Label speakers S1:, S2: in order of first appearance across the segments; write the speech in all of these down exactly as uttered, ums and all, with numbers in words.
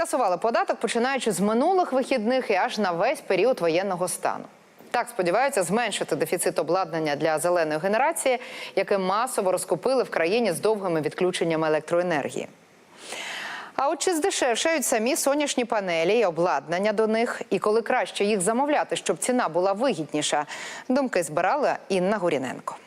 S1: Скасували податок, починаючи з минулих вихідних і аж на весь період воєнного стану. Так сподіваються зменшити дефіцит обладнання для зеленої генерації, яке масово розкупили в країні з довгими відключеннями електроенергії. А от чи здешевшають самі сонячні панелі і обладнання до них? І коли краще їх замовляти, щоб ціна була вигідніша? Думки збирала Інна Гуріненко.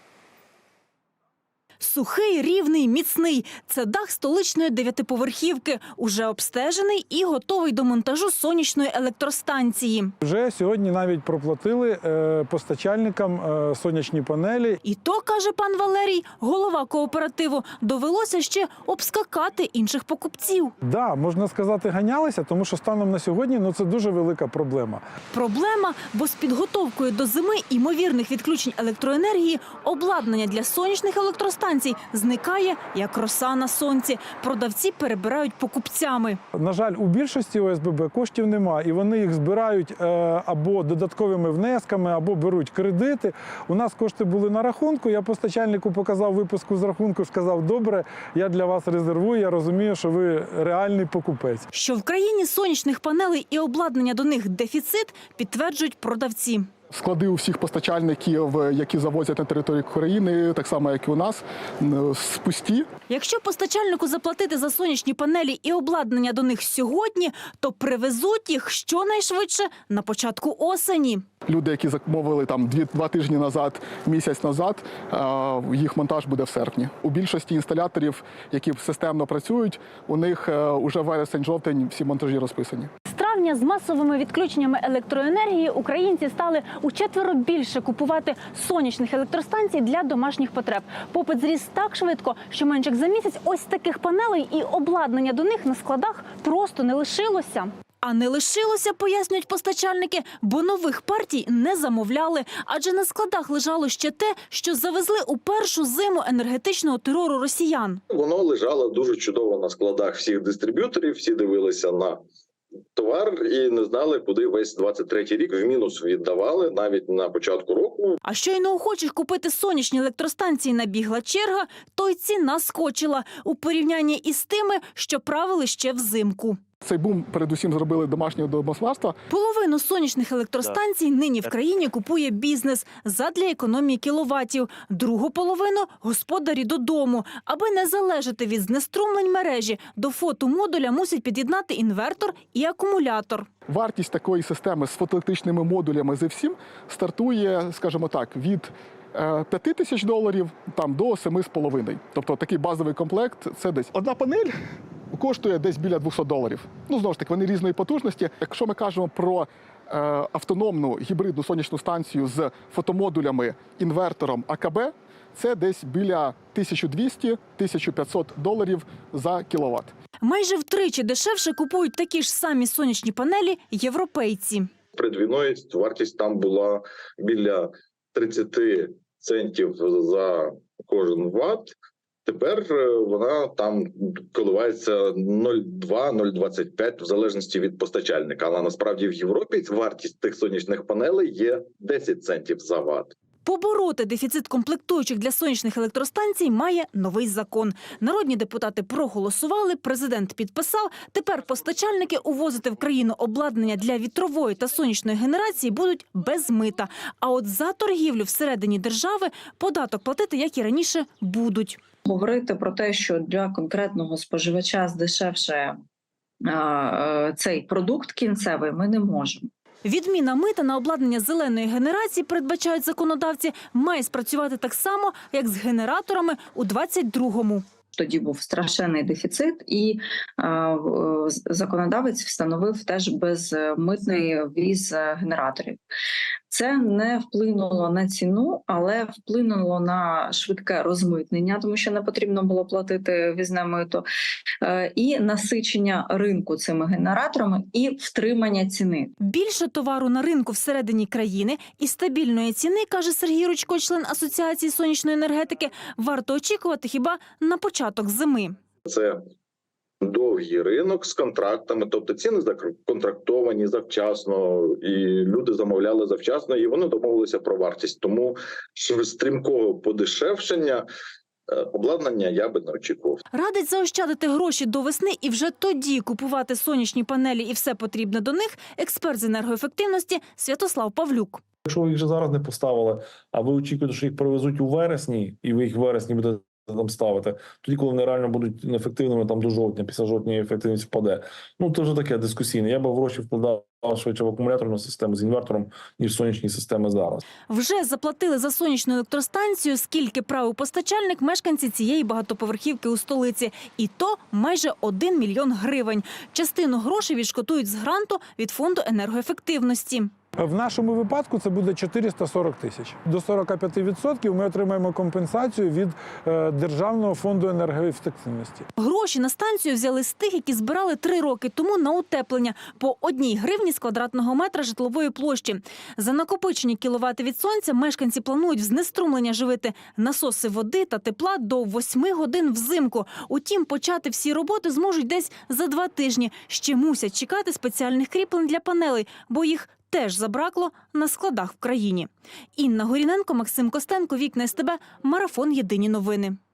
S2: Сухий, рівний, міцний – це дах столичної дев'ятиповерхівки. Уже обстежений і готовий до монтажу сонячної електростанції.
S3: Вже сьогодні навіть проплатили е, постачальникам е, сонячні панелі.
S2: І то, каже пан Валерій, голова кооперативу, довелося ще обскакати інших покупців.
S3: Так, да, можна сказати, ганялися, тому що станом на сьогодні ну, це дуже велика проблема.
S2: Проблема, бо з підготовкою до зими ймовірних відключень електроенергії обладнання для сонячних електростанцій зникає, як роса на сонці. Продавці перебирають покупцями.
S3: На жаль, у більшості О С Б Б коштів немає, і вони їх збирають е, або додатковими внесками, або беруть кредити. У нас кошти були на рахунку, я постачальнику показав виписку з рахунку, сказав, добре, я для вас резервую, я розумію, що ви реальний покупець.
S2: Що в країні сонячних панелей і обладнання до них дефіцит, підтверджують продавці.
S4: Склади у всіх постачальників, які завозять на територію країни, так само, як і у нас, пусті.
S2: Якщо постачальнику заплатити за сонячні панелі і обладнання до них сьогодні, то привезуть їх щонайшвидше на початку осені.
S4: Люди, які замовили там два тижні назад, місяць назад, їх монтаж буде в серпні. У більшості інсталяторів, які системно працюють, у них уже вересень-жовтень всі монтажі розписані.
S2: З травня з масовими відключеннями електроенергії українці стали учетверо більше купувати сонячних електростанцій для домашніх потреб. Попит зріс так швидко, що менше як за місяць ось таких панелей і обладнання до них на складах просто не лишилося. А не лишилося, пояснюють постачальники, бо нових партій не замовляли. Адже на складах лежало ще те, що завезли у першу зиму енергетичного терору росіян.
S5: Воно лежало дуже чудово на складах всіх дистриб'юторів, всі дивилися на товар і не знали, куди весь двадцять третій рік в мінус віддавали навіть на початку року.
S2: А щойно охочих купити сонячні електростанції набігла черга, то й ціна скочила у порівнянні із тими, що правили ще взимку.
S4: Цей бум передусім зробили домашнього домогосподарства.
S2: Половину сонячних електростанцій нині в країні купує бізнес задля економії кіловатів. Другу половину – господарі додому. Аби не залежати від знеструмлень мережі, до фотомодуля мусять під'єднати інвертор і акумулятор.
S4: Вартість такої системи з фотоелектричними модулями зі всім стартує, скажімо так, від п'яти тисяч доларів там, до семи з половиною. Тобто такий базовий комплект – це десь одна панель коштує десь біля двохсот доларів. Ну, знову ж таки, вони різної потужності. Якщо ми кажемо про е, автономну гібридну сонячну станцію з фотомодулями, інвертором А К Б, це десь біля тисяча двісті - тисяча п'ятсот доларів за кіловат.
S2: Майже втричі дешевше купують такі ж самі сонячні панелі європейці.
S5: Перед війною вартість там була біля тридцяти центів за кожен ватт. Тепер вона там коливається нуль цілих два - нуль цілих двадцять п'ять в залежності від постачальника. Але насправді в Європі вартість тих сонячних панелей є десять центів за ватт.
S2: Побороти дефіцит комплектуючих для сонячних електростанцій має новий закон. Народні депутати проголосували, президент підписав. Тепер постачальники увозити в країну обладнання для вітрової та сонячної генерації будуть без мита. А от за торгівлю всередині держави податок платити, як і раніше, будуть.
S6: Говорити про те, що для конкретного споживача здешевшає е, цей продукт кінцевий, ми не можемо.
S2: Відміна мита на обладнання зеленої генерації, передбачають законодавці, має спрацювати так само, як з генераторами у двадцять другому.
S6: Тоді був страшенний дефіцит, і е, законодавець встановив теж безмитний ввіз генераторів. Це не вплинуло на ціну, але вплинуло на швидке розмитнення, тому що не потрібно було платити ввізне мито, е, і насичення ринку цими генераторами і втримання ціни.
S2: Більше товару на ринку всередині країни і стабільної ціни, каже Сергій Рудько, член Асоціації сонячної енергетики, варто очікувати хіба на початок зими.
S5: Це довгий ринок з контрактами, тобто ціни законтрактовані завчасно, і люди замовляли завчасно, і вони домовилися про вартість. Тому стрімкого подешевшення е, обладнання я би не очікував.
S2: Радить заощадити гроші до весни і вже тоді купувати сонячні панелі і все потрібне до них експерт з енергоефективності Святослав Павлюк.
S7: Якщо ви їх вже зараз не поставили, а ви очікуєте, що їх привезуть у вересні, і ви їх в вересні будете там ставити, тоді, коли вони реально будуть неефективними там до жовтня, після жовтня ефективність впаде. Ну, це вже таке дискусійне. Я б гроші вкладав швидше в акумуляторну систему з інвертором, ніж в сонячні системи зараз.
S2: Вже заплатили за сонячну електростанцію, скільки правив постачальник мешканці цієї багатоповерхівки у столиці. І то майже один мільйон гривень. Частину грошей відшкодують з гранту від фонду енергоефективності.
S3: В нашому випадку це буде чотириста сорок тисяч. До сорок п'ять відсотків ми отримаємо компенсацію від е, Державного фонду енергоефективності.
S2: Гроші на станцію взяли з тих, які збирали три роки тому на утеплення по одній гривні з квадратного метра житлової площі. За накопичені кіловати від сонця мешканці планують в знеструмлення живити насоси води та тепла до восьми годин взимку. Утім, почати всі роботи зможуть десь за два тижні. Ще мусять чекати спеціальних кріплень для панелей, бо їх теж забракло на складах в країні. Інна Горіненко, Максим Костенко, Вікна СТБ, Марафон. Єдині новини.